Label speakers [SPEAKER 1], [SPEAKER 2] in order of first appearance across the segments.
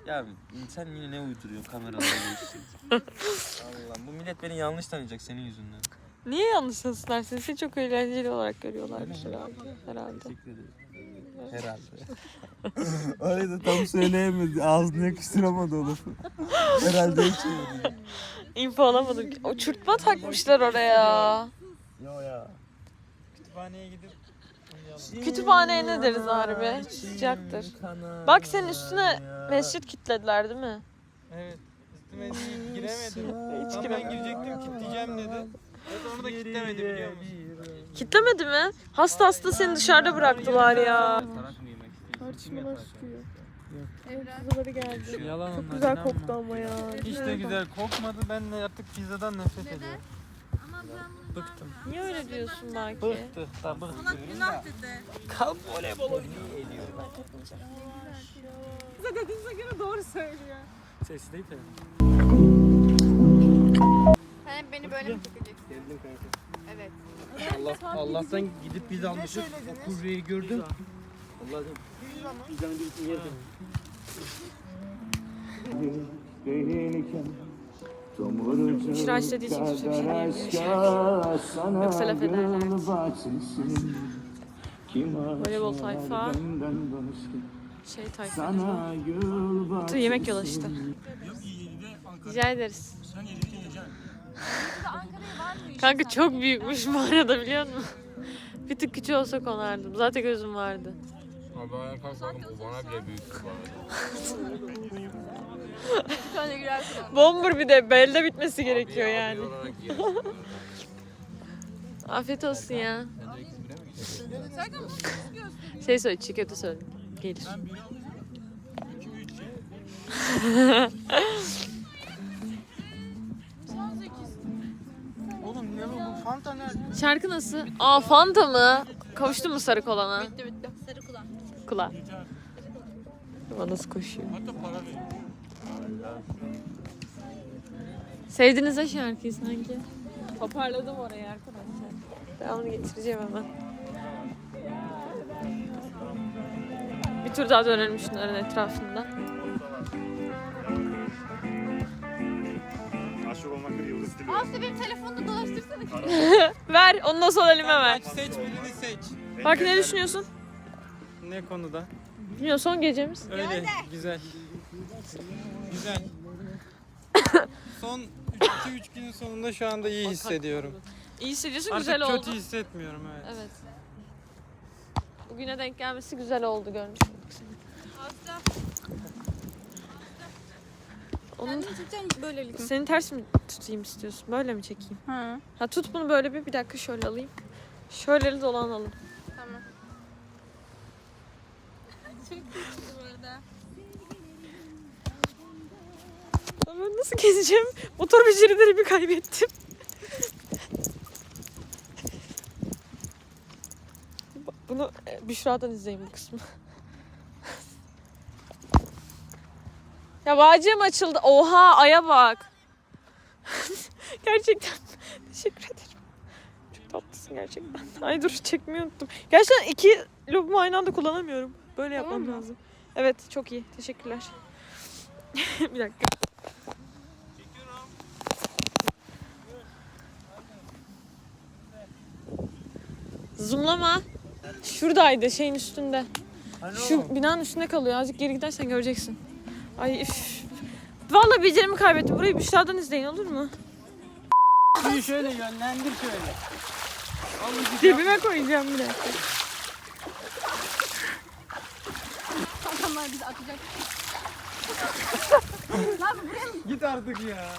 [SPEAKER 1] Ya sen yine ne uyduruyorsun kameralarda işte. Allah'ım bu millet beni yanlış tanıyacak senin yüzünden.
[SPEAKER 2] Niye yanlış tanısınlar? Seni çok eğlenceli olarak görüyorlarmış herhalde.
[SPEAKER 1] Teşekkür ederim. Herhalde. Öyle de tam söyleyemedi. Ağzını yakıştıramadı o lafı. Herhalde hiç öyle.
[SPEAKER 2] İnfo alamadım. Uçurtma takmışlar oraya.
[SPEAKER 1] Yo ya.
[SPEAKER 3] Kütüphaneye gidip
[SPEAKER 2] Kütüphaneye ne deriz harbi? Sıcaktır. Bak senin üstüne mescit kilitlediler değil mi?
[SPEAKER 3] evet üstüme giremedim.
[SPEAKER 2] Hiç
[SPEAKER 3] Tam ben
[SPEAKER 2] giremedim.
[SPEAKER 3] girecektim kilitleyeceğim dedi. Evet onu da kilitlemedi biliyor musun?
[SPEAKER 2] Kitlemedi mi? Hasta seni dışarıda bıraktılar ya.
[SPEAKER 1] Tartışmalar
[SPEAKER 2] çıkıyor. Kızları geldi.
[SPEAKER 3] Yalan
[SPEAKER 2] Çok
[SPEAKER 3] onlar,
[SPEAKER 2] güzel
[SPEAKER 3] inanma.
[SPEAKER 2] koktu ama ya.
[SPEAKER 3] Hiç de güzel kokmadı. Ben de artık pizzadan nefret ediyorum. Bıktım.
[SPEAKER 2] Niye öyle diyorsun belki?
[SPEAKER 3] Bıktı. Da bıktı.
[SPEAKER 4] Günah dedi.
[SPEAKER 3] Kalk voleybol oynuyor.
[SPEAKER 2] Size dediğinize göre doğru söylüyor.
[SPEAKER 3] Sesi değil tabii.
[SPEAKER 4] Sen hep beni böyle mi çekeceksin? Evet.
[SPEAKER 5] Allah'tan gidip biz almışız. O kuryeyi gördüm. Allah'ım. Pizzanın birisini yerdim.
[SPEAKER 2] Büşra istediği için hiçbir şey diyemiyor şu an. Yoksa laf ederlerdi. Voleybol tayfa. Şey tayfa. Yemek yola işte. Rica ederiz. Kanka çok büyükmüş mağarada biliyor musun? Bir tık küçük olsa konardım. Zaten gözüm vardı.
[SPEAKER 6] Abi ayağa kalkalım o bana bile büyük bu
[SPEAKER 4] Bir tane girersin.
[SPEAKER 2] Bomber bir de belde bitmesi gerekiyor yani.
[SPEAKER 6] olarak yeriz.
[SPEAKER 2] Afiyet olsun ya. Şey söyle, çiğ köfte söyle. Gelir.
[SPEAKER 3] Oğlum ne bu Fanta nerede?
[SPEAKER 2] Şarkı nasıl? Aa Fanta mı? Kavuştun mu sarı kolana?
[SPEAKER 4] Bitti bitti. Sarı kulak.
[SPEAKER 2] Kula. Ama nasıl koşuyor? Sevdiniz ha şarkıyı sanki. Toparladım orayı arkadaşlar. Devamını getireceğim hemen. Bir tur daha dönelim şunların etrafında.
[SPEAKER 4] Aslı benim telefonunu dolaştırsana.
[SPEAKER 2] Ver, onu da sol elime ver.
[SPEAKER 3] Seç birini seç.
[SPEAKER 2] Bak ne düşünüyorsun?
[SPEAKER 3] Ne konuda?
[SPEAKER 2] Bilmiyorum son gecemiz.
[SPEAKER 3] Öyle güzel. Güzel. Son 2-3 günün sonunda şu anda iyi hissediyorum.
[SPEAKER 2] İyi hissediyorsun,
[SPEAKER 3] Artık
[SPEAKER 2] güzel oldu.
[SPEAKER 3] kötü hissetmiyorum evet.
[SPEAKER 2] Evet. Bugüne denk gelmesi güzel oldu görmüş olduk seni.
[SPEAKER 4] Aslı.
[SPEAKER 2] Onun,
[SPEAKER 4] Kendini çekeceksin böylelikle.
[SPEAKER 2] seni ters mi tutayım istiyorsun? Böyle mi çekeyim?
[SPEAKER 4] Hı.
[SPEAKER 2] Ha tut bunu böyle bir dakika şöyle alayım. Şöyle dolanalım.
[SPEAKER 4] Tamam. Çok kötü bu arada.
[SPEAKER 2] Ben nasıl gezeceğim? Motor becerilerimi kaybettim. Bunu Büşra'dan izleyin bu kısmı. Ya bağcığım açıldı. Oha aya bak. Gerçekten teşekkür ederim. Çok tatlısın gerçekten. Ay dur çekmeyi unuttum. Gerçekten iki lobumu aynı anda kullanamıyorum. Böyle yapmam lazım. Evet çok iyi. Teşekkürler. Bir dakika. Zoomlama. Şuradaydı şeyin üstünde. Şu binanın üstünde kalıyor. Azıcık geri gidersen göreceksin. Ay üf. Vallahi becerimi kaybettim. Burayı Büşra'dan izleyin olur mu?
[SPEAKER 3] Şunu şöyle yönlendir şöyle.
[SPEAKER 2] Cebime koyacağım bir dakika.
[SPEAKER 4] Adamlar bizi atacak.
[SPEAKER 3] Git artık ya.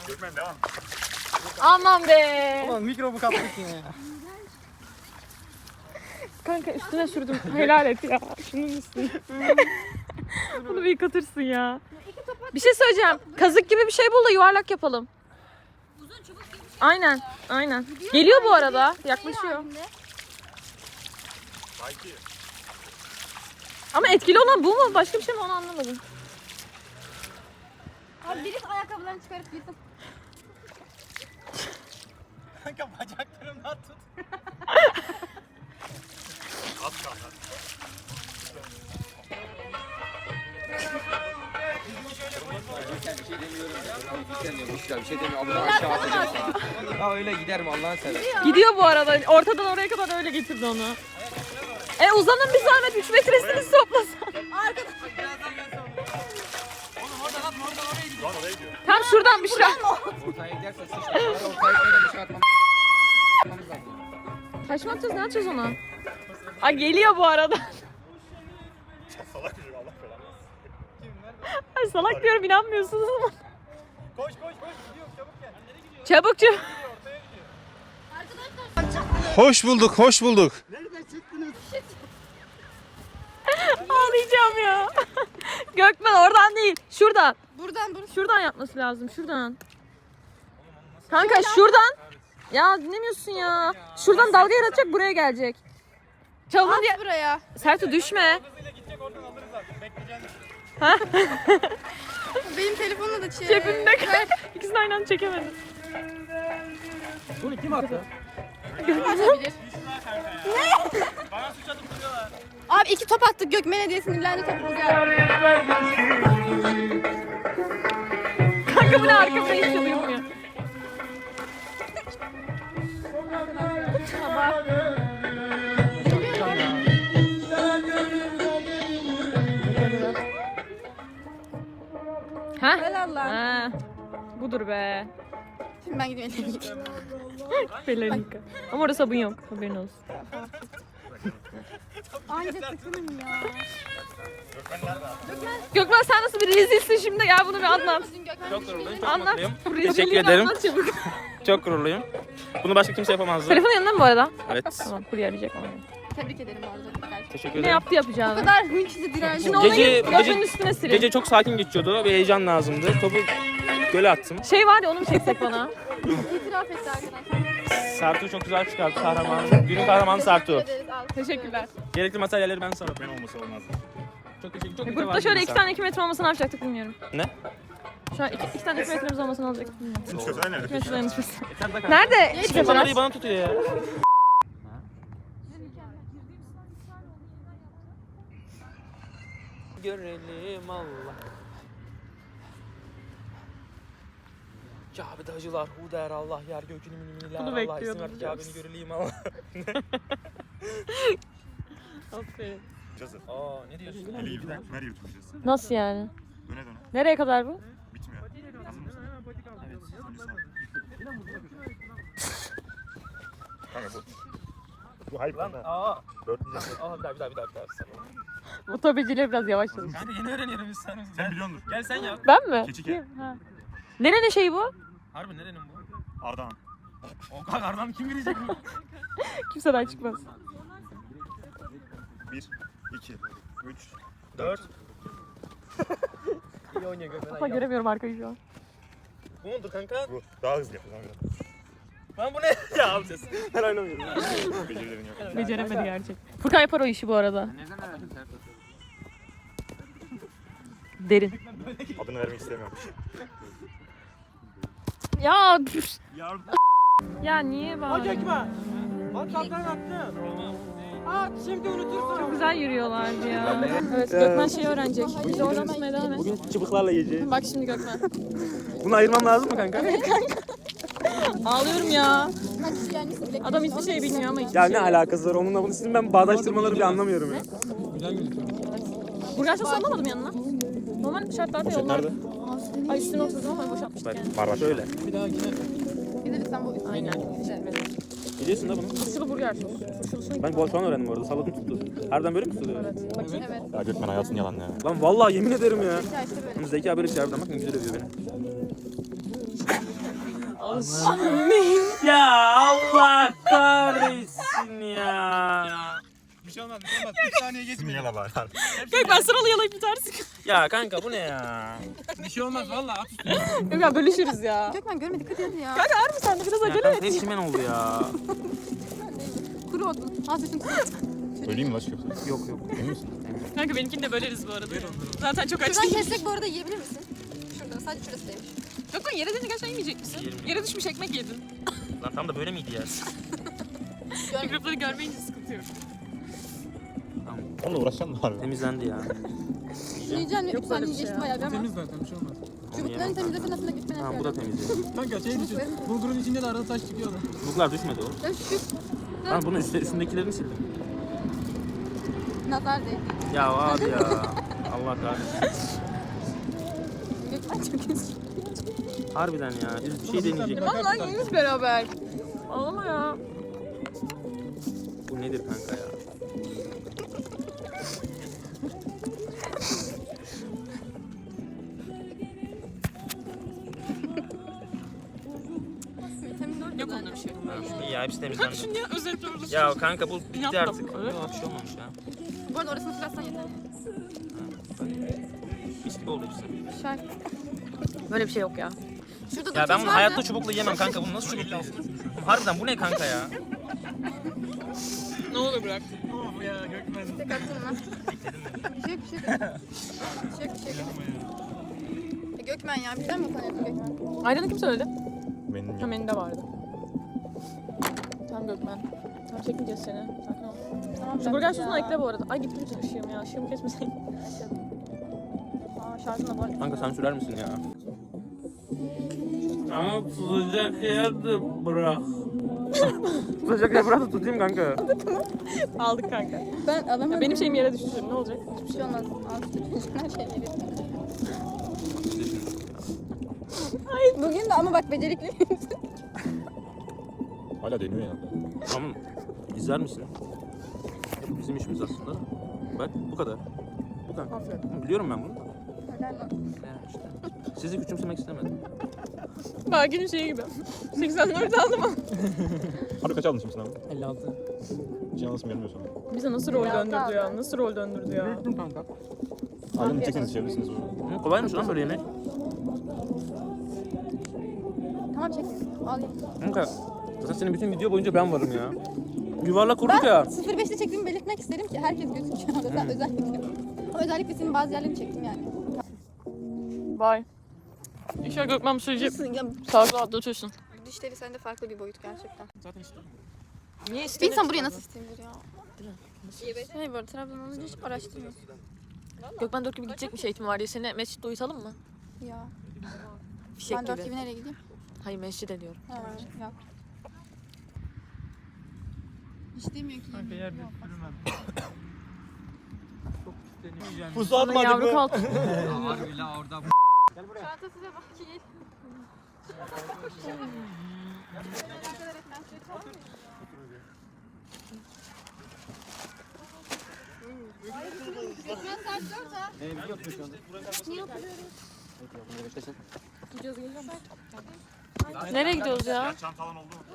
[SPEAKER 2] Aman be.
[SPEAKER 3] Ulan mikrobu kaptık yine ya.
[SPEAKER 2] Kanka üstüne sürdüm. Helal et ya. Şunun üstüne. Bunu bir yıkatırsın ya. Bir şey söyleyeceğim. Kazık gibi bir şey bul da yuvarlak yapalım.
[SPEAKER 4] Uzun çubuk gibi bir şey.
[SPEAKER 2] Aynen. Aynen. Geliyor bu arada. Yaklaşıyor. Ama etkili olan bu mu? Başka bir şey mi onu anlamadım.
[SPEAKER 4] Abi birisi ayakkabılarını çıkarıp gitsin.
[SPEAKER 3] Kanka bacaklarımdan tut.
[SPEAKER 5] Bir şey demiyor. Abla aşağı atacağım sana. Ya öyle gider mi Allah'ını seversen.
[SPEAKER 2] Gidiyor bu arada. Ortadan oraya kadar öyle getirdi onu. Uzanın bir zahmet 3 metresini toplasan. Tam şuradan bir şey.
[SPEAKER 5] Ortaya giderse sıçrar. Ortaya giderse dışarı atmam.
[SPEAKER 2] Taş mı atacağız? Ne yapacağız ona? Ay geliyor bu arada. Ay salak diyorum inanmıyorsunuz ama.
[SPEAKER 3] Koş gidiyorum çabuk gel.
[SPEAKER 2] Çabuk çabuk.
[SPEAKER 6] Hoş bulduk, hoş bulduk.
[SPEAKER 2] Ağlayacağım ya. Gökmen oradan değil. Şuradan.
[SPEAKER 4] Buradan.
[SPEAKER 2] Şuradan yapması lazım. Şuradan. Kanka şuradan. Ya dinlemiyorsun ya. Şuradan dalga yaratacak buraya gelecek. Çalın diye.
[SPEAKER 4] At buraya.
[SPEAKER 2] Sertu düşme.
[SPEAKER 3] Hızıyla gidecek oradan alırız zaten. Bekleyeceğiz.
[SPEAKER 4] Benim telefonla da çek.
[SPEAKER 2] Cebimde kal. İkisini aynı anda çekemedim.
[SPEAKER 5] Bunu kim attı?
[SPEAKER 4] Atabilir. Abi 2 top attık. Gökmen hediye sinirlendi topumuz geldi.
[SPEAKER 2] Kanka bu ne arkamda hiç şey duymuyor. Ha?
[SPEAKER 4] Helal lan.
[SPEAKER 2] Ha. Budur be.
[SPEAKER 4] Şimdi ben gidiyorum.
[SPEAKER 2] Pelenika. Ama orada sabun yok. Haberin olsun.
[SPEAKER 4] Anca takılın ya.
[SPEAKER 2] Gökmen sen nasıl bir rezilsin şimdi? Gel bunu bir anlat.
[SPEAKER 7] Çok gururluyum, çok
[SPEAKER 2] Anlat.
[SPEAKER 7] mutluyum.
[SPEAKER 2] Bu
[SPEAKER 7] Teşekkür
[SPEAKER 2] rezilliğini
[SPEAKER 7] ederim.
[SPEAKER 2] Anlat çabuk.
[SPEAKER 7] Çok gururluyum. Bunu başka kimse yapamazdı.
[SPEAKER 2] Telefon yanında mı bu arada?
[SPEAKER 7] Evet.
[SPEAKER 2] Tamam kurye arayacak onu.
[SPEAKER 4] Tebrik ederim bu arada.
[SPEAKER 7] Teşekkür
[SPEAKER 2] Ne
[SPEAKER 7] ederim.
[SPEAKER 2] yaptı
[SPEAKER 4] Bu
[SPEAKER 2] yapacağını?
[SPEAKER 4] kadar hınçlı dirençli.
[SPEAKER 2] Şimdi onu
[SPEAKER 7] Gece-
[SPEAKER 2] Gökmen'in
[SPEAKER 7] gece-
[SPEAKER 2] üstüne silin.
[SPEAKER 7] Gece çok sakin geçiyordu. Bir heyecan lazımdı. Topu göle attım.
[SPEAKER 2] Şey var ya onu mu çeksek bana?
[SPEAKER 4] İtiraf etti arkadaşlar.
[SPEAKER 7] Sertu çok güzel çıkarttı kahramanı. Günün kahramanı Sertu.
[SPEAKER 4] Ederiz, al.
[SPEAKER 2] Teşekkürler.
[SPEAKER 7] Gerekli materyalleri ben sana. Ben olmasa olmazdı. Çok teşekkür ederim.
[SPEAKER 2] Grupta şöyle 2 tane 2 metre olmasa ne yapacaktık bilmiyorum.
[SPEAKER 7] Ne?
[SPEAKER 2] Şu an 2 tane 2 metremiz olmasa ne olacak bilmiyorum.
[SPEAKER 6] Nerede?
[SPEAKER 2] 2 metre dayanışması.
[SPEAKER 7] Nerede?
[SPEAKER 2] Nerede?
[SPEAKER 7] Kimse bana değil bana tutuyor ya. Görelim Allah. Kabe'de hacılar hu der Allah yer gökünü miniler
[SPEAKER 2] Bunu
[SPEAKER 7] Allah
[SPEAKER 2] bekliyordum
[SPEAKER 7] isim ver Kabe'ni görelim Allah.
[SPEAKER 2] Aferin.
[SPEAKER 7] Aa ne diyorsun?
[SPEAKER 6] Nereye götüreceğiz?
[SPEAKER 2] Nasıl yani?
[SPEAKER 6] Döne döne.
[SPEAKER 2] Nereye kadar bu?
[SPEAKER 6] Bitmiyor. Hazır mısın? Evet. Kanka bu. Bu hayır lan.
[SPEAKER 7] Aa.
[SPEAKER 6] Dörtleyeceğim.
[SPEAKER 7] Aa bir daha.
[SPEAKER 2] Motobeciler biraz yavaş çalışıyor.
[SPEAKER 7] Kanka yeni öğreniyorum biz sen.
[SPEAKER 6] Sen biliyordur.
[SPEAKER 7] Gel sen yap.
[SPEAKER 2] Ben mi?
[SPEAKER 6] Keçike.
[SPEAKER 2] Ha. Nerenin şeyi bu?
[SPEAKER 7] Harbi nerenin bu?
[SPEAKER 6] Ardahan.
[SPEAKER 7] O kadar adam kim bilecek bu?
[SPEAKER 2] Kimseden çıkmaz.
[SPEAKER 6] 1, 2, 3,
[SPEAKER 7] 4. İyi oynuyor Gökmen.
[SPEAKER 2] Ama göremiyorum arkayı şu an.
[SPEAKER 7] Bu mudur kanka?
[SPEAKER 6] bu. Daha hızlı yapıyor kanka.
[SPEAKER 7] Lan bu ne? Ya abi ses. Ben oynamıyorum.
[SPEAKER 6] Becerilerin yok.
[SPEAKER 2] Beceremedi gerçek. Furkan yapar o işi bu arada. Derin.
[SPEAKER 6] Adını vermek istemiyorum.
[SPEAKER 2] Ya ya niye bak?
[SPEAKER 3] Bak kaptan attı. At şimdi unutursun.
[SPEAKER 2] Çok güzel yürüyorlardı ya. Evet Gökmen şeyi öğrenecek. Bizi oradan tutmaya devam et.
[SPEAKER 7] Bugün çıbıklarla yiyeceğiz.
[SPEAKER 2] Bak şimdi Gökmen.
[SPEAKER 7] Bunu ayırmam lazım mı kanka?
[SPEAKER 2] Ağlıyorum ya.
[SPEAKER 4] Kaç kişi gelmişse bile.
[SPEAKER 2] Adam hiçbir şey bilmiyor ama hiçbir
[SPEAKER 7] Ya
[SPEAKER 2] şey.
[SPEAKER 7] ne alakası var onunla bunu sizin ben bağdaştırmaları bir anlamıyorum ya.
[SPEAKER 2] Burger sosu alamadım yanına. Normal şartlarda yollar. Ay üstüne oturdum ama boşaltmıştık yani.
[SPEAKER 6] Var.
[SPEAKER 7] Şöyle.
[SPEAKER 4] Bir de lütfen bu
[SPEAKER 2] Aynen.
[SPEAKER 7] Biliyorsun da bunu.
[SPEAKER 2] Turşulu burger sosu. Turşulusunu
[SPEAKER 7] Ben bu an öğrendim bu arada. Salladım tuttu. Harbiden böyle mi tutuluyor?
[SPEAKER 2] evet. Bakayım.
[SPEAKER 4] Evet.
[SPEAKER 6] Ya Gökmen hayatın yalan ya.
[SPEAKER 7] Lan vallahi yemin ederim ya.
[SPEAKER 4] Hikaye işte böyle.
[SPEAKER 7] Bunu Zeki abi böyle şey harbiden bak ne güzel övüyor beni. Ya Allah kahretsin ya.
[SPEAKER 3] Bir şey olmaz. Bir saniye
[SPEAKER 6] İsmini yala bari.
[SPEAKER 2] Gökmen sıralı yalayıp bitersin.
[SPEAKER 7] Ya kanka bu ne ya?
[SPEAKER 3] Bir şey olmaz valla at üstüne.
[SPEAKER 2] Gökmen bölüşürüz ya.
[SPEAKER 4] Gökmen görmedik hadi ya.
[SPEAKER 2] Harbi sen de biraz
[SPEAKER 7] Ya
[SPEAKER 2] acele
[SPEAKER 7] kanka
[SPEAKER 2] et.
[SPEAKER 7] hep çimen oldu ya.
[SPEAKER 4] Kuru oldun. Az üstün
[SPEAKER 6] Öleyim mi lan şu
[SPEAKER 7] Yok yok.
[SPEAKER 6] Emin misin?
[SPEAKER 2] Kanka benimkini de böleriz bu arada. Zaten çok aç
[SPEAKER 4] Şuradan
[SPEAKER 2] değil.
[SPEAKER 4] kessek bu arada yiyebilir misin? Şurada sadece şurasıymış.
[SPEAKER 2] Gökmen yere deyince gerçekten yemeyecek misin?
[SPEAKER 7] Yerim.
[SPEAKER 2] Yere düşmüş ekmek yedin.
[SPEAKER 7] Lan tam da böyle miydi ya?
[SPEAKER 2] Mikropları görmeyince sıkıntı yok.
[SPEAKER 6] Onunla uğraşacaksın mı abi?
[SPEAKER 7] Temizlendi ya.
[SPEAKER 4] Yiyeceksin mi? Bir saniye geçti bayağı bir ama.
[SPEAKER 3] Temiz zaten bir şey olmaz.
[SPEAKER 4] Çubuklarını temizlesen aslında gitmene
[SPEAKER 7] Tamam bu da temiz.
[SPEAKER 3] Kanka şey düşün. Bulgurun içinde de arada taş çıkıyor da.
[SPEAKER 7] Çubuklar düşmedi oğlum.
[SPEAKER 4] Ya şu
[SPEAKER 7] Tamam bunun üstündekilerini sildim.
[SPEAKER 4] nazar değil.
[SPEAKER 7] Ya abi ya. Allah kahretsin.
[SPEAKER 4] Gökmen çok üzüldü.
[SPEAKER 7] Harbiden ya. Biz bir şey deneyecektik.
[SPEAKER 2] Vallahi yiyiz beraber. Ağlama ya.
[SPEAKER 7] Bu nedir kanka ya?
[SPEAKER 2] Yok onda bir şey.
[SPEAKER 7] İyi ya hepsi temizlendi.
[SPEAKER 2] Şimdi özellikle orada.
[SPEAKER 7] Ya kanka bu bitti
[SPEAKER 2] Yaptım.
[SPEAKER 7] artık.
[SPEAKER 2] Evet.
[SPEAKER 7] Yok bir şey olmamış ya.
[SPEAKER 4] Bu arada orasını silersen yeter.
[SPEAKER 7] Mis gibi oldu işte.
[SPEAKER 4] Şart.
[SPEAKER 2] Böyle bir şey yok ya.
[SPEAKER 4] Şurada
[SPEAKER 7] Ya
[SPEAKER 4] da
[SPEAKER 7] ben
[SPEAKER 4] tuz
[SPEAKER 7] bunu
[SPEAKER 4] var
[SPEAKER 7] hayatta
[SPEAKER 4] da.
[SPEAKER 7] çubukla yemem kanka. Bunu nasıl çubukla Harbiden bu ne kanka ya?
[SPEAKER 2] Ne olur bırak.
[SPEAKER 3] Of ya Gökmen.
[SPEAKER 4] Tek attın mı? Şık şık. Şık şık. Gökmen ya birden mi utanıyorsun Gökmen?
[SPEAKER 2] Ayran'ı kim söyledi?
[SPEAKER 6] Benim
[SPEAKER 2] Ha menüde vardı. Tamam Gökmen. Tamam çekmeyeceğiz seni. Sakin ol.
[SPEAKER 4] Tamam,
[SPEAKER 2] Şu burger
[SPEAKER 4] ya.
[SPEAKER 2] sosunu ekle bu arada. Ay gitti bütün ışığım ya. Işığımı kesmeseydin. Aa şarjım da var.
[SPEAKER 7] Kanka sen sürer misin ya? Ama sıcak yerde bırak. Sıcak yerde bırak da tutayım kanka.
[SPEAKER 2] Aldık kanka.
[SPEAKER 4] Ben alamadım.
[SPEAKER 2] Ya benim şeyim yere düştü şimdi ne olacak?
[SPEAKER 4] Hiçbir şey olmaz. Al tutuyorsun her şeyi verir. Bugün de ama bak becerikli.
[SPEAKER 6] hala deniyor ya.
[SPEAKER 7] Tamam. İzler misin? Bu bizim işimiz aslında. Bak bu kadar. Bu kadar. Biliyorum ben bunu.
[SPEAKER 4] Helal olsun.
[SPEAKER 7] Ya işte. Sizi küçümsemek istemedim.
[SPEAKER 2] Belki şeyi gibi. 84 aldım ama.
[SPEAKER 6] Harbi kaç aldın şimdi sınavı?
[SPEAKER 3] 56.
[SPEAKER 6] Hiç yanlışım gelmiyor sana.
[SPEAKER 2] Bize nasıl rol döndürdü ya? Nasıl rol döndürdü ya?
[SPEAKER 3] Büyüttüm kanka.
[SPEAKER 6] Ailemi çekseniz içebilirsiniz.
[SPEAKER 7] Hı, kolaymış lan böyle yemek.
[SPEAKER 4] Tamam çek. Al ye.
[SPEAKER 7] Kanka zaten senin bütün video boyunca ben varım ya. Yuvarlak kurduk ya.
[SPEAKER 4] 05'te çektiğimi belirtmek isterim ki herkes gözüküyor orada özellikle. Ama özellikle senin bazı yerlerini çektim yani.
[SPEAKER 2] Bye. İnşallah Gökmen bu süreci sağlıklı atlatıyorsun.
[SPEAKER 4] Dişleri sende farklı bir boyut gerçekten.
[SPEAKER 3] Zaten işte.
[SPEAKER 2] Niye
[SPEAKER 4] Bir
[SPEAKER 2] istedin?
[SPEAKER 4] insan buraya nasıl istenir ya? Hayır böyle Trabzon olunca hiç araştırmıyorsun.
[SPEAKER 2] Gökmen 4 gibi gidecekmiş eğitimi var diye seni mescitte uyutalım mı?
[SPEAKER 4] Ya.
[SPEAKER 2] Fişek
[SPEAKER 4] Ben 4
[SPEAKER 2] gibi.
[SPEAKER 4] gibi nereye gideyim?
[SPEAKER 2] Hayır mescide diyorum.
[SPEAKER 4] Ha, yok. Hiç demiyor ki.
[SPEAKER 3] Kanka yer bir sürümem. Çok isteniyor.
[SPEAKER 6] Pusu
[SPEAKER 2] Sana yavru kaldı.
[SPEAKER 5] Harbi la orada.
[SPEAKER 4] Çanta size bak ki.
[SPEAKER 2] Nereye gidiyoruz ya?
[SPEAKER 6] Çantalan oldu mu?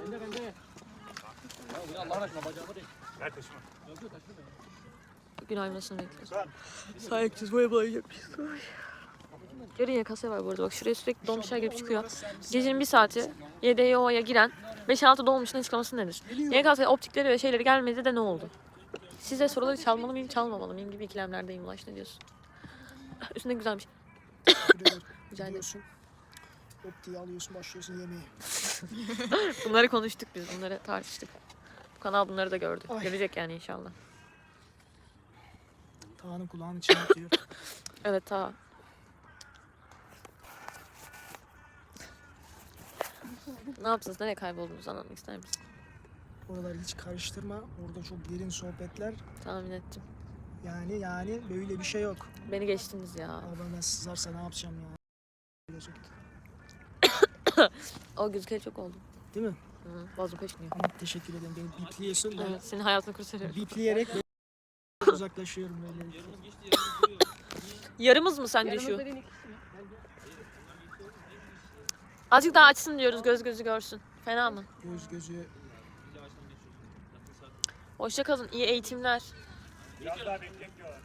[SPEAKER 6] Ver taşıma.
[SPEAKER 2] Gün aymasını bekliyoruz. Sağ gideceğiz. Boya boyayacakmışız. Yarın yakası var bu arada. Bak şuraya sürekli dolmuşlar girip çıkıyor. Gecenin bir saati YDYO'ya giren 5-6 dolmuşun açıklaması nedir? YKS optikleri ve şeyleri gelmedi de ne oldu? Size soruları çalmalı mıyım, çalmamalı mıyım gibi ikilemlerdeyim Ulaş. Ne diyorsun? Üstünde güzelmiş. Rica ederim.
[SPEAKER 8] Optiği alıyorsun, başlıyorsun yemeğe.
[SPEAKER 2] Bunları konuştuk biz. Bunları tartıştık. Bu kanal bunları da gördü.
[SPEAKER 8] Ay.
[SPEAKER 2] Görecek yani inşallah.
[SPEAKER 8] Tağının kulağını çınlatıyor.
[SPEAKER 2] Evet ta. Ne yaptınız? Nereye kayboldunuz anlatmak ister misin?
[SPEAKER 8] Oraları hiç karıştırma. Orada çok derin sohbetler.
[SPEAKER 2] Tahmin ettim.
[SPEAKER 8] Yani böyle bir şey yok.
[SPEAKER 2] Beni geçtiniz ya.
[SPEAKER 8] Araba sızarsa ne yapacağım ya? Gelecekti.
[SPEAKER 2] O gözükeli çok oldu.
[SPEAKER 8] Değil mi?
[SPEAKER 2] Hı, boğazım kaşınıyor.
[SPEAKER 8] Ama teşekkür ederim. Beni bipliyorsun. Ben
[SPEAKER 2] Evet, senin hayatını kurtarıyorum.
[SPEAKER 8] bipleyerek uzaklaşıyorum böyle.
[SPEAKER 2] Yarımız mı sence şu? Azıcık daha açsın diyoruz, göz gözü görsün. Fena mı?
[SPEAKER 8] Göz gözü.
[SPEAKER 2] Hoşça kalın, iyi eğitimler.
[SPEAKER 6] Biraz daha bekleyek diyorlar.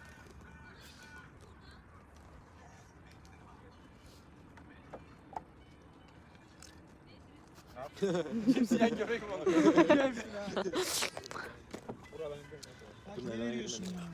[SPEAKER 3] Simsiyah köpek mi olur?
[SPEAKER 8] Bak ne veriyorsun ya?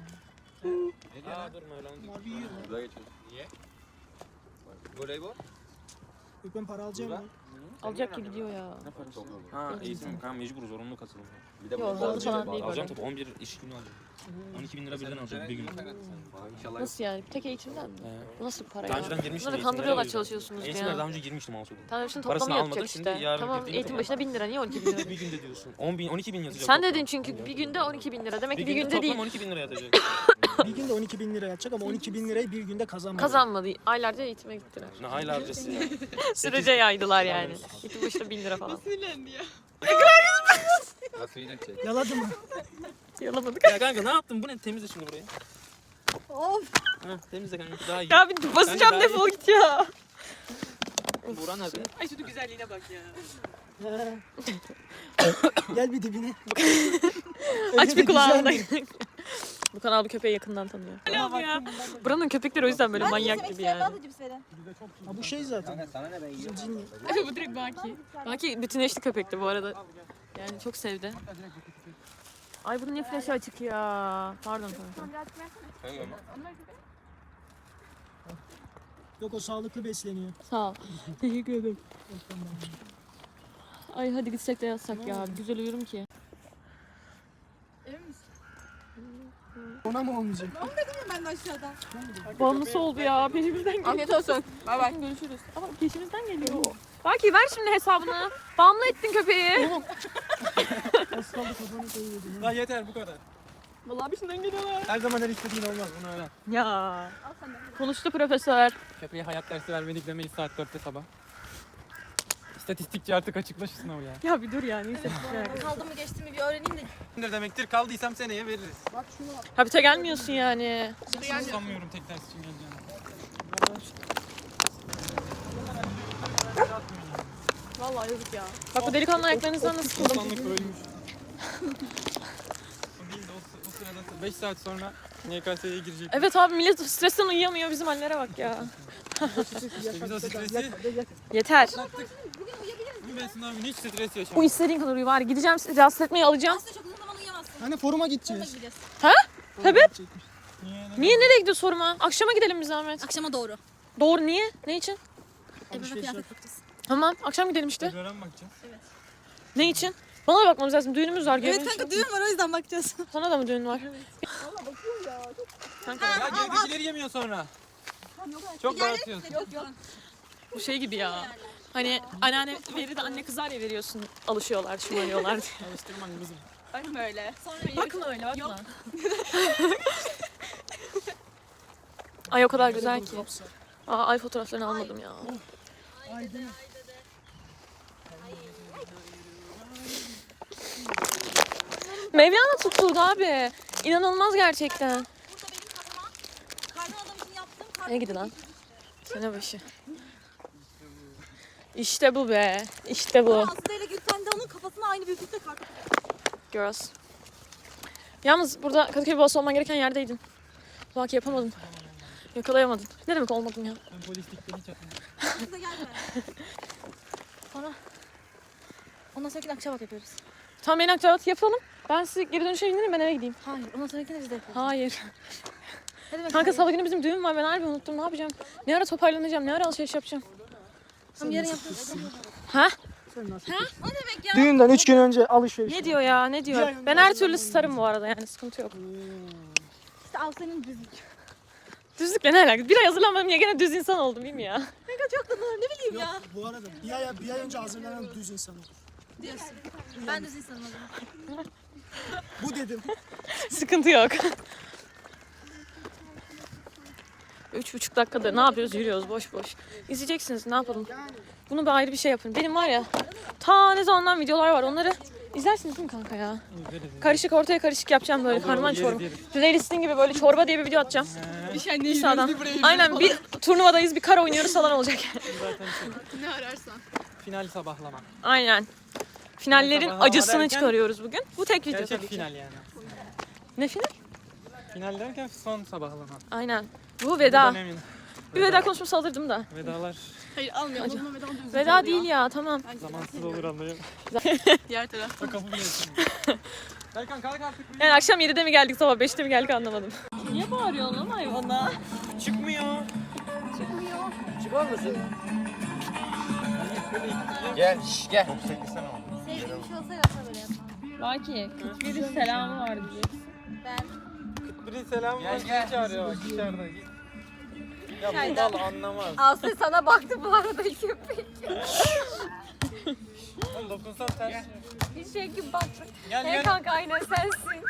[SPEAKER 7] Aa durma öyle.
[SPEAKER 8] Mavi yiyor.
[SPEAKER 5] Niye? Voleybol?
[SPEAKER 8] Gökmen para alacağım mı?
[SPEAKER 2] Alacak ki gidiyor ya.
[SPEAKER 7] Ne parası? Ha eğitim. Kanka mecbur zorunlu katılım.
[SPEAKER 2] Yok zorunlu falan değil
[SPEAKER 7] Alacağım
[SPEAKER 2] böyle.
[SPEAKER 7] tabii 11 iş günü alacağım. 12.000 lira birden alacağım bir gün.
[SPEAKER 2] Nasıl yani? Tek eğitimden mi? Bu nasıl para ya?
[SPEAKER 7] Daha önceden girmiştim.
[SPEAKER 2] Bunları
[SPEAKER 7] eğitimlere,
[SPEAKER 2] kandırıyorlar
[SPEAKER 7] o yüzden.
[SPEAKER 2] çalışıyorsunuz
[SPEAKER 7] Eğitimlere
[SPEAKER 2] ya.
[SPEAKER 7] daha önce girmiştim Alsu'da.
[SPEAKER 2] Tamam şimdi
[SPEAKER 7] Parasını
[SPEAKER 2] toplamı
[SPEAKER 7] almadım,
[SPEAKER 2] yatacak
[SPEAKER 7] şimdi
[SPEAKER 2] işte.
[SPEAKER 7] yarın
[SPEAKER 2] Tamam
[SPEAKER 7] girdiğimde
[SPEAKER 2] eğitim
[SPEAKER 7] para.
[SPEAKER 2] başına 1000 lira. Niye 12 bin lira?
[SPEAKER 7] Bir günde diyorsun. 12.000 yazacak.
[SPEAKER 2] Sen
[SPEAKER 7] toplam.
[SPEAKER 2] dedin çünkü bir günde 12 bin lira. Demek
[SPEAKER 7] Bir
[SPEAKER 2] ki bir
[SPEAKER 7] günde
[SPEAKER 2] günde değil.
[SPEAKER 7] toplam 12.000 lira yatacak.
[SPEAKER 8] Bir günde 12.000 lira yatacak ama 12.000 lirayı bir günde kazanmadı.
[SPEAKER 2] Kazanmadı. Aylarca eğitime gittiler.
[SPEAKER 7] Ne hayli harcası ya.
[SPEAKER 2] Sürece yaydılar yani. Eğitim başına 1000 lira falan.
[SPEAKER 8] Yaladı mı?
[SPEAKER 2] Yalamadık.
[SPEAKER 7] Ya kanka ne yaptın? Bu ne? Temizle şimdi burayı.
[SPEAKER 4] Of.
[SPEAKER 7] Ha, temizle kanka daha iyi.
[SPEAKER 2] Ya bir basacağım
[SPEAKER 7] Bence daha
[SPEAKER 2] defol git ya.
[SPEAKER 7] Buğra nerede?
[SPEAKER 2] Ay şunun güzelliğine bak ya.
[SPEAKER 8] Gel bir dibine.
[SPEAKER 2] Aç bir kulağını da.
[SPEAKER 8] Güzeldi.
[SPEAKER 2] Bu kanal bu köpeği yakından tanıyor. Ya. Buranın köpekleri o yüzden böyle manyak gibi yani.
[SPEAKER 4] Daha da cips verin.
[SPEAKER 8] Ha bu şey zaten. Bizim cinli.
[SPEAKER 2] Evet bu direkt Baki. Baki bütünleşti köpekti bu arada. Yani çok sevdi. Ay bunun niye flaşı açık ya? Pardon kanka.
[SPEAKER 8] Yok o sağlıklı besleniyor.
[SPEAKER 2] Sağ ol. Teşekkür ederim. Ay hadi gitsek de yatsak ya. Güzel uyurum ki.
[SPEAKER 8] Ona mı olmayacak?
[SPEAKER 4] Ben de aşağıdan.
[SPEAKER 2] Bağımlısı oldu ya. Peşimizden geliyor.
[SPEAKER 4] Afiyet olsun. Bay bay.
[SPEAKER 2] Görüşürüz. Ama peşimizden geliyor. Baki ver şimdi hesabını. Bağımlı ettin köpeği.
[SPEAKER 8] Az kaldı kafanı koyuyordum.
[SPEAKER 3] Lan yeter bu kadar.
[SPEAKER 2] Vallahi peşinden geliyorlar.
[SPEAKER 3] Her zaman her istediğin olmaz bunu öğren.
[SPEAKER 2] Ya. Konuştu profesör.
[SPEAKER 3] Köpeğe hayat dersi vermedik demeyiz saat 4'te sabah. İstatistikçi artık açıkla şu sınavı ya.
[SPEAKER 2] Ya bir dur ya. Neyse.
[SPEAKER 4] Kaldı mı geçti mi bir öğreneyim de.
[SPEAKER 3] Ne demektir? Kaldıysam seneye veririz.
[SPEAKER 2] Habite gelmiyorsun yani.
[SPEAKER 3] Sanmıyorum tek ders için geleceğini.
[SPEAKER 2] Vallahi yazık ya. Bak bu delikanlı ayaklarınızdan nasıl sıkıldım.
[SPEAKER 3] Sanlık ölmüş. O değil de o sırada 5 saat sonra YKS'ye girecek.
[SPEAKER 2] Evet abi millet stresten uyuyamıyor. Bizim hallere bak ya.
[SPEAKER 3] İşte biz o stresi
[SPEAKER 2] Yeter.
[SPEAKER 3] bu ben sınavın hiç stres
[SPEAKER 2] Bu
[SPEAKER 3] yaşamadım.
[SPEAKER 2] istediğin kadar uyu var. Gideceğim rahatsız etmeyi alacağım.
[SPEAKER 4] Aslında çok uzun zaman uyuyamazsın.
[SPEAKER 8] Hani foruma gideceğiz.
[SPEAKER 4] Gideceğiz.
[SPEAKER 2] Sebep?
[SPEAKER 3] Niye?
[SPEAKER 2] Niye nereye gidiyor soruma? Akşama gidelim biz Ahmet.
[SPEAKER 4] Akşama doğru.
[SPEAKER 2] Doğru niye? Ne için?
[SPEAKER 4] Ebru'na kıyafet bakacağız.
[SPEAKER 2] Tamam akşam gidelim işte.
[SPEAKER 3] Öğren bakacağız.
[SPEAKER 2] Ne için? Bana da bakmamız lazım. Düğünümüz var.
[SPEAKER 4] Evet
[SPEAKER 2] görüyor
[SPEAKER 4] kanka
[SPEAKER 2] musun?
[SPEAKER 4] düğün var o yüzden bakacağız.
[SPEAKER 2] Sana da mı düğün var? Kanka
[SPEAKER 3] Ya gerdekileri yemiyor sonra. Çok dağıtıyorsun.
[SPEAKER 4] Yok yok.
[SPEAKER 2] bu şey gibi ya. Hani anneanne verir de anne kızar ya veriyorsun. Alışıyorlar, şımarıyorlar diye.
[SPEAKER 3] Alıştırman kızım.
[SPEAKER 4] Bakma öyle. Sonra
[SPEAKER 2] Bakma öyle bakma. Ay o kadar güzel ki. Aa, ay fotoğraflarını almadım ya.
[SPEAKER 8] Ay değil mi?
[SPEAKER 2] Mevlana tutuldu abi. İnanılmaz gerçekten.
[SPEAKER 4] burada benim kafama kardan adam için yaptığım
[SPEAKER 2] Ne gidi lan? Sene başı. İşte bu be. İşte bu.
[SPEAKER 4] Aslı ile Gülten de onun kafasına aynı büyüklükte karton.
[SPEAKER 2] Girls. Yalnız burada Kadıköy babası olman gereken yerdeydin. Bak yapamadın. Yakalayamadın. Ne demek olmadım ya?
[SPEAKER 3] Ben polislikten hiç atmadım.
[SPEAKER 4] Bize gelme. Sonra ondan sonraki akşam yapıyoruz.
[SPEAKER 2] Tamam beni akçabat yapalım. Ben size geri dönüşe indirim ben eve gideyim.
[SPEAKER 4] Hayır ondan sonraki de biz de yapıyoruz.
[SPEAKER 2] Hayır.
[SPEAKER 4] Ne demek
[SPEAKER 2] Kanka
[SPEAKER 4] hayır?
[SPEAKER 2] salı günü bizim düğün var. Ben harbi unuttum. Ne yapacağım? Ne ara toparlanacağım? Ne ara alışveriş yapacağım?
[SPEAKER 4] Tamam yarın yapıyoruz.
[SPEAKER 2] Ha?
[SPEAKER 4] O ne demek ya?
[SPEAKER 8] Düğünden 3 gün önce alışveriş.
[SPEAKER 2] Ne diyor ya? Ne diyor? Ben her türlü starım bu arada yani sıkıntı yok.
[SPEAKER 4] İşte al senin düzlük.
[SPEAKER 2] Düzlükle ne alakası? Bir ay hazırlanmadım ya gene düz insan oldum değil mi ya?
[SPEAKER 4] Ne bileyim
[SPEAKER 8] Yok
[SPEAKER 4] ya.
[SPEAKER 8] bu arada bir ay önce hazırlanan düz insan olur.
[SPEAKER 4] Diyorsun. Ben düz insanım o zaman.
[SPEAKER 8] Bu dedim.
[SPEAKER 2] Sıkıntı yok. 3,5 dakikada ne yapıyoruz? Yürüyoruz boş boş. İzleyeceksiniz ne yapalım. Bunu bir ayrı bir şey yapın. Benim var ya ta ne zamandan videolar var onları izlersiniz değil mi kanka ya? Karışık ortaya karışık yapacağım böyle karman çorba. Playlistin gibi böyle çorba diye bir video atacağım. Bir sağdan. Aynen bir turnuvadayız bir kar oynuyoruz falan olacak.
[SPEAKER 4] Ne ararsan.
[SPEAKER 3] Final sabahlama.
[SPEAKER 2] Aynen. Finallerin
[SPEAKER 3] Sabahlama
[SPEAKER 2] acısını
[SPEAKER 3] derken-
[SPEAKER 2] çıkarıyoruz bugün. Bu tek video
[SPEAKER 3] Gerçek
[SPEAKER 2] tabii ki.
[SPEAKER 3] final yani.
[SPEAKER 2] Ne final?
[SPEAKER 3] Final derken son sabahlama.
[SPEAKER 2] Aynen. Bu
[SPEAKER 3] Bu
[SPEAKER 2] veda.
[SPEAKER 3] dönemin
[SPEAKER 2] Bir veda konuşması alırdım da.
[SPEAKER 3] vedalar
[SPEAKER 4] Hayır almıyorum. Onunla veda düz.
[SPEAKER 2] Veda değil ya tamam.
[SPEAKER 3] zamansız olur anlayın.
[SPEAKER 4] Diğer taraf.
[SPEAKER 3] Kabul etsin. Erkan kalk artık.
[SPEAKER 2] Yani akşam 7'de mi geldik sabah 5'te mi geldik anlamadım. Niye bağırıyorsun lan hayvana?
[SPEAKER 3] Çıkmıyor.
[SPEAKER 5] Çıkar mısın? Gel gel.
[SPEAKER 4] Sevdiğim bir şey olsa yapsa böyle yapmam.
[SPEAKER 2] Baki, 41'in selamı var diyeceksin.
[SPEAKER 4] Ben
[SPEAKER 3] Biri selam
[SPEAKER 5] Gel,
[SPEAKER 3] var,
[SPEAKER 5] gel.
[SPEAKER 3] çağırıyor bak içeride. Git. Ya bu bal anlamaz.
[SPEAKER 4] Aslı sana baktı bu arada köpek.
[SPEAKER 3] Oğlum dokunsan ters.
[SPEAKER 4] Bir şey gibi baktı.
[SPEAKER 3] Gel
[SPEAKER 4] Hey
[SPEAKER 3] gel.
[SPEAKER 4] kanka aynen sensin.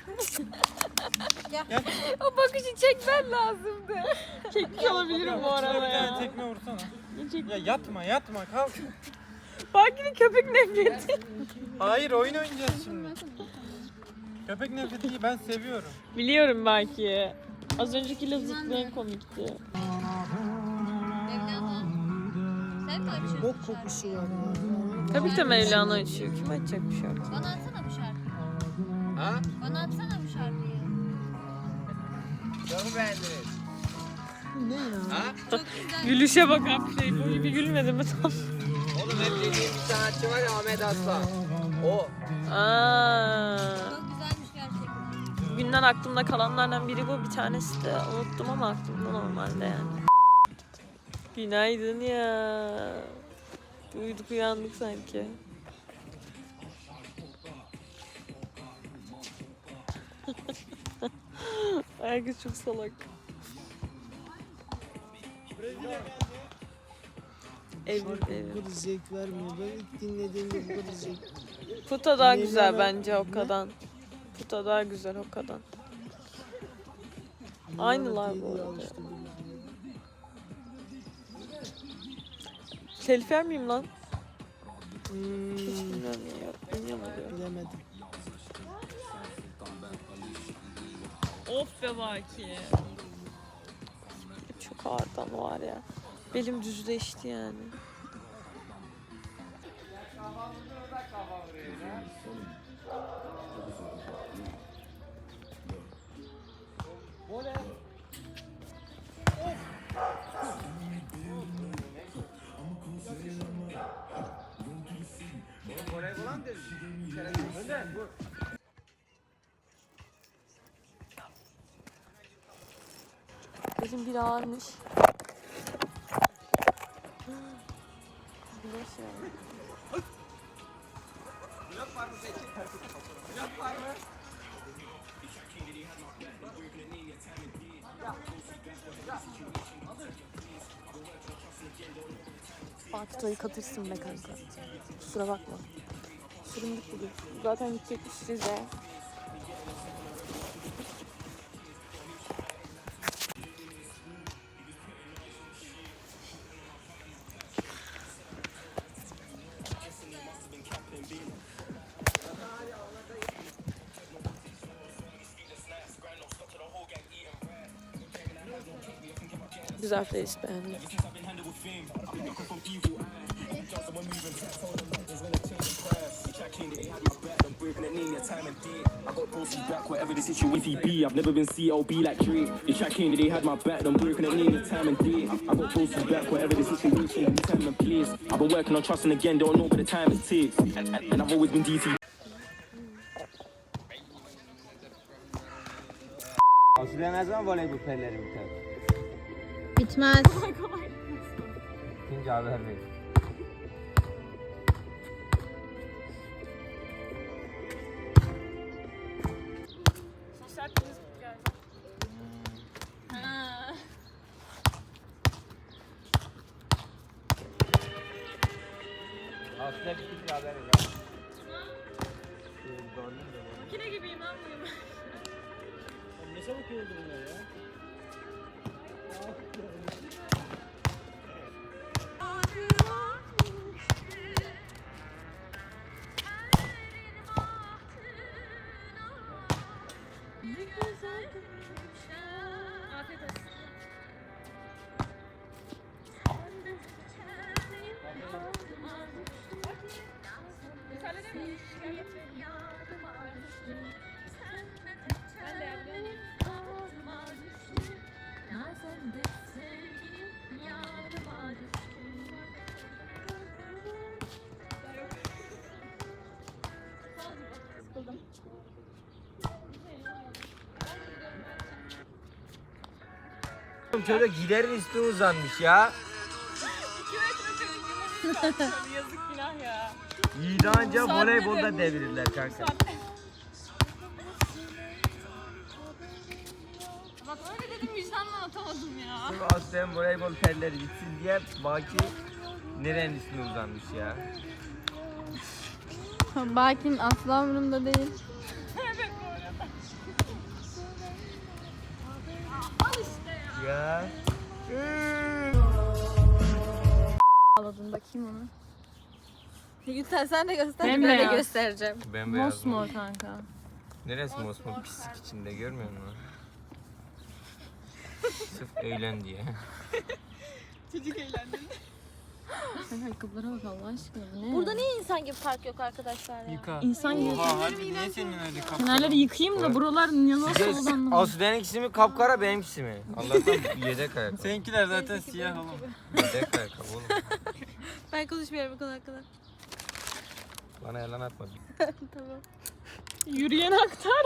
[SPEAKER 4] O bakışı çekmen lazımdı.
[SPEAKER 2] Çekmiş olabilirim bu
[SPEAKER 3] Şuna
[SPEAKER 2] arada
[SPEAKER 3] bir tane
[SPEAKER 2] ya.
[SPEAKER 3] tekme vursana. Ya yatma kalk.
[SPEAKER 2] Baki'nin köpek nefreti.
[SPEAKER 3] Hayır oyun oynayacağız şimdi. Köpek nefreti ben seviyorum.
[SPEAKER 2] Biliyorum Baki. Az önceki lafızlıklı en komikti.
[SPEAKER 4] Mevlana. Sen mi bir şey?
[SPEAKER 8] Bok kokusu var ya.
[SPEAKER 2] Tabii ki de Mevlana açıyor. Kim açacak bir şey yok.
[SPEAKER 4] Bana atsana bu şarkıyı.
[SPEAKER 5] Ha?
[SPEAKER 4] Bana atsana bu şarkıyı.
[SPEAKER 5] Çok mu beğendiniz?
[SPEAKER 8] Ne ya?
[SPEAKER 5] Ha?
[SPEAKER 4] Çok güzel.
[SPEAKER 2] Gülüşe bak abi şey. Bu gibi gülmedi mi tam?
[SPEAKER 5] Oğlum hep dediğim bir sanatçı var ya Ahmet Aslan. O.
[SPEAKER 2] Aa.
[SPEAKER 4] Çok güzelmiş gerçekten.
[SPEAKER 2] Bugünden aklımda kalanlardan biri bu. Bir tanesi de unuttum ama aklımda normalde yani. Günaydın ya. Uyuduk uyandık sanki. Herkes çok salak. Evli
[SPEAKER 8] Bu kadar zevk vermiyor. Ben ilk dinlediğimde bu kadar zevk.
[SPEAKER 2] Puta daha güzel
[SPEAKER 8] Mevlana-
[SPEAKER 2] bence Hokka'dan. Puta daha güzel Hokka'dan. Aynılar bu arada. Telif yer miyim lan? Hiç bilmiyorum ya. Bilmiyorum diyor.
[SPEAKER 8] Bilemedim.
[SPEAKER 2] Of be Baki. Çok ağırdan var ya. Belim düzleşti yani. Belim bir ağırmış. Güneş ya. Fatih'i katırsın be kanka. Kusura bakma. Süründük bugün. Zaten gidecekmiş Rize'ye. Güzel playlist beğendim.
[SPEAKER 9] Whatever the situation be, I've never been CLB like Drake. The track came, they had my back, I'm working at near time and day. I got posted back, whatever the situation, time and place. I've been working on trusting again, don't know what the time it takes. And I've always been DC.
[SPEAKER 5] Aslında ne zaman voleybol pelleri biter?
[SPEAKER 4] Bitmez.
[SPEAKER 5] İkinci haber verin.
[SPEAKER 2] Sosyal turizm geldi.
[SPEAKER 5] Aslında ikinci haber verin.
[SPEAKER 2] Makine gibiyim lan bugün.
[SPEAKER 8] Ne çabuk oldu bunlar ya?
[SPEAKER 2] Afiyet olsun.
[SPEAKER 5] Çocuk giderin üstü uzanmış ya.
[SPEAKER 2] 2 metre çocuk Yazık günah ya.
[SPEAKER 5] Yiğidi anca voleybolda devirirler kanka.
[SPEAKER 4] Bak öyle dedim vicdanla atamadım ya.
[SPEAKER 5] Sırf Aslen voleybol telleri gitsin diye Baki nerenin üstüne uzanmış ya.
[SPEAKER 4] Bakin asla umurumda değil.
[SPEAKER 5] Ya.
[SPEAKER 4] Ağladım bakayım onu. Yüksel sen de göster.
[SPEAKER 2] Ben
[SPEAKER 4] Ben de
[SPEAKER 2] beyaz.
[SPEAKER 4] göstereceğim.
[SPEAKER 5] Bembeyaz.
[SPEAKER 2] Mosmor kanka.
[SPEAKER 5] Neresi mosmor pislik içinde görmüyor musun? Sırf eğlen diye.
[SPEAKER 2] Ayakkabılara bak Allah aşkına bu ne?
[SPEAKER 10] Burada niye insan gibi park yok arkadaşlar ya?
[SPEAKER 3] Yıka.
[SPEAKER 2] İnsan gibi.
[SPEAKER 3] Oha harbi niye senin öyle kapı?
[SPEAKER 2] Kenarları yıkayayım da buralar ne nasıl oldu anlamadım.
[SPEAKER 5] Asude'ninkisi mi kapkara benimkisi mi? Allah'tan yedek ayakkabı.
[SPEAKER 3] Seninkiler zaten siyah oğlum.
[SPEAKER 5] Yedek ayakkabı oğlum.
[SPEAKER 10] Ben konuşmuyorum bu konu hakkında.
[SPEAKER 5] Bana yalan atma.
[SPEAKER 10] Tamam.
[SPEAKER 2] Yürüyen aktar.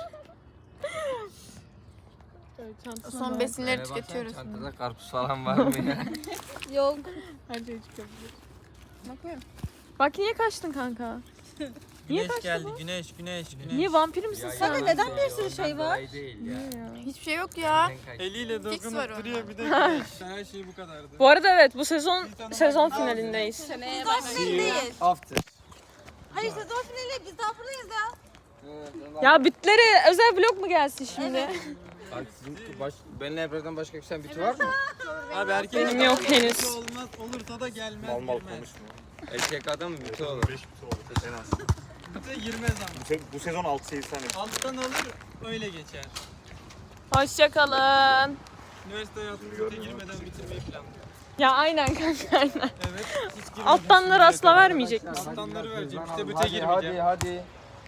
[SPEAKER 4] Son besinleri tüketiyoruz.
[SPEAKER 5] Çantada karpuz falan var mı ya?
[SPEAKER 10] Yok.
[SPEAKER 2] Her şey çıkabilir.
[SPEAKER 4] Bakıyorum.
[SPEAKER 2] Bak niye kaçtın kanka? Niye
[SPEAKER 3] Güneş
[SPEAKER 2] kaçtı
[SPEAKER 3] geldi.
[SPEAKER 2] bu?
[SPEAKER 3] Güneş.
[SPEAKER 2] Niye vampir misin sen?
[SPEAKER 10] Sana neden bir sürü şey var?
[SPEAKER 5] Değil ya.
[SPEAKER 4] Hiçbir şey yok ya.
[SPEAKER 3] Eliyle
[SPEAKER 4] Fix var
[SPEAKER 3] dokunup
[SPEAKER 4] onda.
[SPEAKER 3] duruyor bir de güneş. Her şey bu kadardı.
[SPEAKER 2] Bu arada evet bu sezon finalindeyiz.
[SPEAKER 10] Seneye değil.
[SPEAKER 5] After.
[SPEAKER 10] Hayır sezon finali biz daha buradayız ya.
[SPEAKER 2] Ya bitlere özel vlog mu gelsin şimdi?
[SPEAKER 5] Bak sizin benimle Ebru'dan başka kişiden biti var mı?
[SPEAKER 3] Abi erkek
[SPEAKER 2] Benim yok henüz.
[SPEAKER 3] olmaz. Olursa da gelmez.
[SPEAKER 6] Mal mal
[SPEAKER 3] girmez.
[SPEAKER 6] konuşma.
[SPEAKER 5] Erkek adam mı biti olur?
[SPEAKER 6] 5 biti olur en az.
[SPEAKER 3] Bir de girmez ama.
[SPEAKER 6] Bu sezon 6-8 tane.
[SPEAKER 3] Alttan olur öyle geçer.
[SPEAKER 2] Hoşçakalın.
[SPEAKER 3] Üniversite hayatını bite girmeden bitirmeyi planlıyorum.
[SPEAKER 2] Ya aynen kanka aynen.
[SPEAKER 3] Evet. Hiç girmeden
[SPEAKER 2] Alttanları asla
[SPEAKER 3] şimdiye
[SPEAKER 2] vermeyecek
[SPEAKER 3] kadar.
[SPEAKER 2] misin?
[SPEAKER 3] Alttanları vereceğim. Bite
[SPEAKER 5] Hadi
[SPEAKER 3] girmeyeceğim.
[SPEAKER 5] hadi.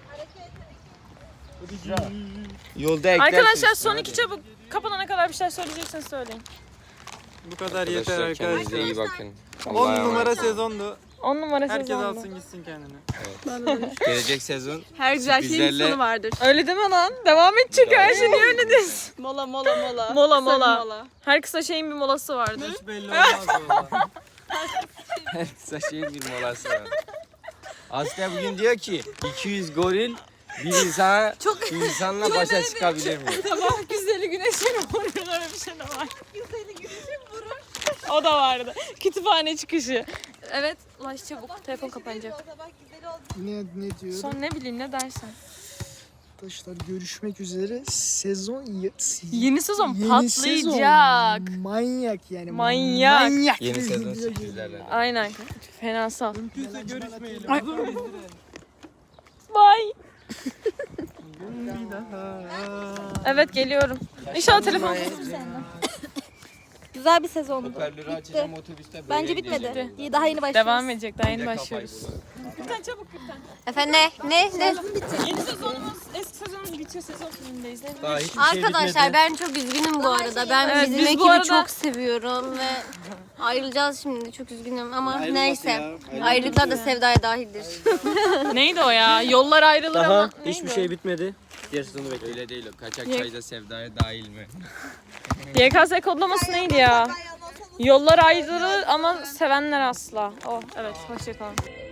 [SPEAKER 5] Yolda eklersin.
[SPEAKER 2] Arkadaşlar son iki çabuk kapanana kadar bir şey söyleyecekseniz söyleyin.
[SPEAKER 3] Bu kadar yeter
[SPEAKER 5] Kendinize
[SPEAKER 3] arkadaşlar.
[SPEAKER 5] iyi bakın.
[SPEAKER 3] 10 numara sezondu.
[SPEAKER 2] 10 numara
[SPEAKER 3] Herkes
[SPEAKER 2] sezondu.
[SPEAKER 3] alsın gitsin kendine.
[SPEAKER 5] Gelecek sezon
[SPEAKER 10] Her güzel şeyin bir
[SPEAKER 5] Sürprizlerle-
[SPEAKER 10] sonu vardır.
[SPEAKER 2] Öyle deme lan. Devam et çünkü her şey niye öyle diyorsun?
[SPEAKER 10] Mola mola mola.
[SPEAKER 2] Mola
[SPEAKER 10] Kısa bir
[SPEAKER 2] mola. Her kısa şeyin bir molası vardır.
[SPEAKER 3] Hiç belli olmaz valla.
[SPEAKER 5] kısa şeyin bir molası var. Aslı bugün diyor ki 200 goril bir insanla başa çıkabilir mi?
[SPEAKER 2] Sabah güzeli güneşin vurur öyle bir şey de var. Güzeli güneşin vurur. O da vardı. Kütüphane çıkışı. Evet ulaş çabuk. Telefon kapanacak.
[SPEAKER 8] Ne diyor?
[SPEAKER 2] Son ne bileyim ne dersen.
[SPEAKER 8] Arkadaşlar görüşmek üzere.
[SPEAKER 2] Yeni sezon
[SPEAKER 8] Yeni
[SPEAKER 2] patlayacak.
[SPEAKER 8] sezon manyak yani.
[SPEAKER 2] Manyak.
[SPEAKER 8] Manyak.
[SPEAKER 5] Yeni
[SPEAKER 8] bir
[SPEAKER 5] sezon
[SPEAKER 8] video
[SPEAKER 5] sürprizlerle.
[SPEAKER 2] Aynen. Fenasal.
[SPEAKER 3] Kimse görüşmeyelim.
[SPEAKER 2] Bye. Evet geliyorum. İnşallah telefon.
[SPEAKER 10] Güzel bir sezondu.
[SPEAKER 5] Hoparlörü açacağım otobüste böyle
[SPEAKER 10] Bence
[SPEAKER 5] gideceğim.
[SPEAKER 10] bitmedi. İyi daha yeni başlıyoruz.
[SPEAKER 2] Devam edecek. Daha yeni
[SPEAKER 5] Kafayı
[SPEAKER 2] başlıyoruz.
[SPEAKER 5] bulalım.
[SPEAKER 2] Gülten çabuk Gülten.
[SPEAKER 4] Efendim ne?
[SPEAKER 2] Yeni sezonumuz, eski sezonumuz bitiyor. Sezon filmindeyiz. Ne
[SPEAKER 5] Daha hiçbir şey
[SPEAKER 4] Arkadaşlar
[SPEAKER 5] bitmedi.
[SPEAKER 4] ben çok üzgünüm bu arada. Ben
[SPEAKER 2] Evet,
[SPEAKER 4] bizim
[SPEAKER 2] biz bu
[SPEAKER 4] ekibi
[SPEAKER 2] arada-
[SPEAKER 4] çok seviyorum ve ayrılacağız şimdi. Çok üzgünüm ama neyse. Ayrılıklar da sevdaya dahildir.
[SPEAKER 2] Neydi o ya? Yollar ayrılır ama.
[SPEAKER 5] Daha
[SPEAKER 2] Neydi
[SPEAKER 5] hiçbir
[SPEAKER 2] o?
[SPEAKER 5] şey bitmedi. Diğer sezonu bekle. Öyle değil o. Kaçak çayda sevdaya dahil mi?
[SPEAKER 2] YKS kodlaması neydi ya? Yollar ayrılır ama sevenler asla. Oh evet hoşçakalın.